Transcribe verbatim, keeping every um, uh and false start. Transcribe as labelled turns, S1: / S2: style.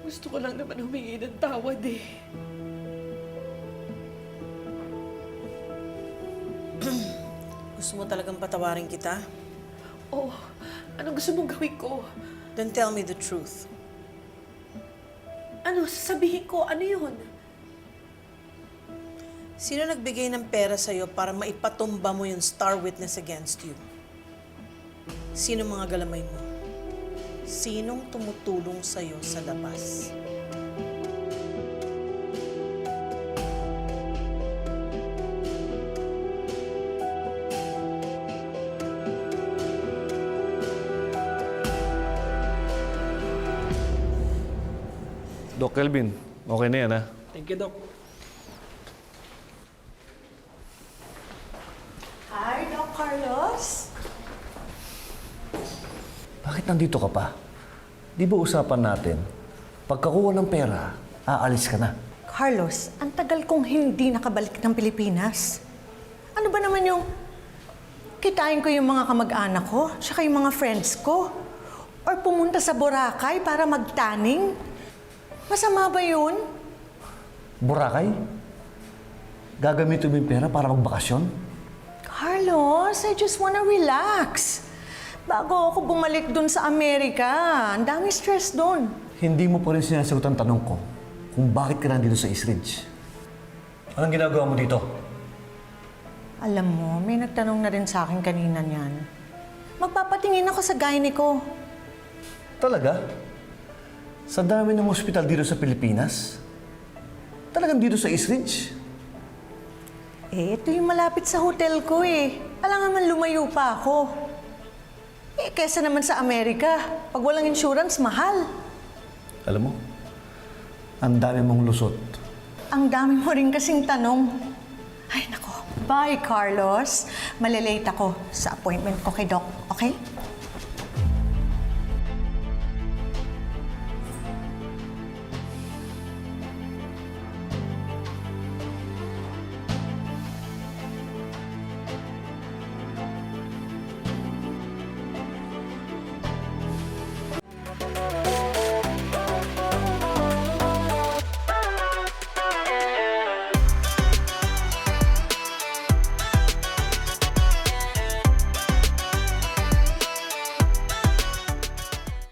S1: Gusto ko lang naman humingi ng tawad eh.
S2: Gusto mo talagang patawarin kita?
S1: Oh, anong gusto mong gawin ko?
S2: Then tell me the truth.
S1: Ano, sasabihin ko, ano yun?
S2: Sino nagbigay ng pera sa'yo para maipatumba mo yung star witness against you? Sino mga galamay mo? Sinong tumutulong sa'yo sa labas?
S3: Doc Kelvin, okay na yan, ha?
S4: Thank you, Doc.
S5: Hi, Doc Carlos.
S6: Bakit nandito ka pa? Di ba usapan natin, pagkakuha ng pera, aalis ka na.
S5: Carlos, ang tagal kong hindi nakabalik ng Pilipinas. Ano ba naman yung kitain ko yung mga kamag-anak ko, tsaka yung mga friends ko? Or pumunta sa Boracay para magtaning? Masama ba yun?
S6: Boracay? Gagamitin mo yung pera para magbakasyon?
S5: Carlos, I just wanna relax. Bago ako bumalik dun sa Amerika, ang dami stress dun.
S6: Hindi mo pa rin sinasagot ang tanong ko kung bakit ka nandito sa East Ridge. Anong ginagawa mo dito?
S5: Alam mo, may nagtanong na rin sa akin kanina niyan. Magpapatingin ako sa gynae ko.
S6: Talaga? Sa dami ng ospital dito sa Pilipinas? Talagang dito sa East Ridge?
S5: Eh, ito yung malapit sa hotel ko eh. Alam naman lumayo pa ako. Eh, kesa naman sa Amerika, pag walang insurance, mahal.
S6: Alam mo, ang dami mong lusot.
S5: Ang dami mo rin kasing tanong. Ay, nako. Bye, Carlos. Malilate ako sa appointment ko kay Doc, okay?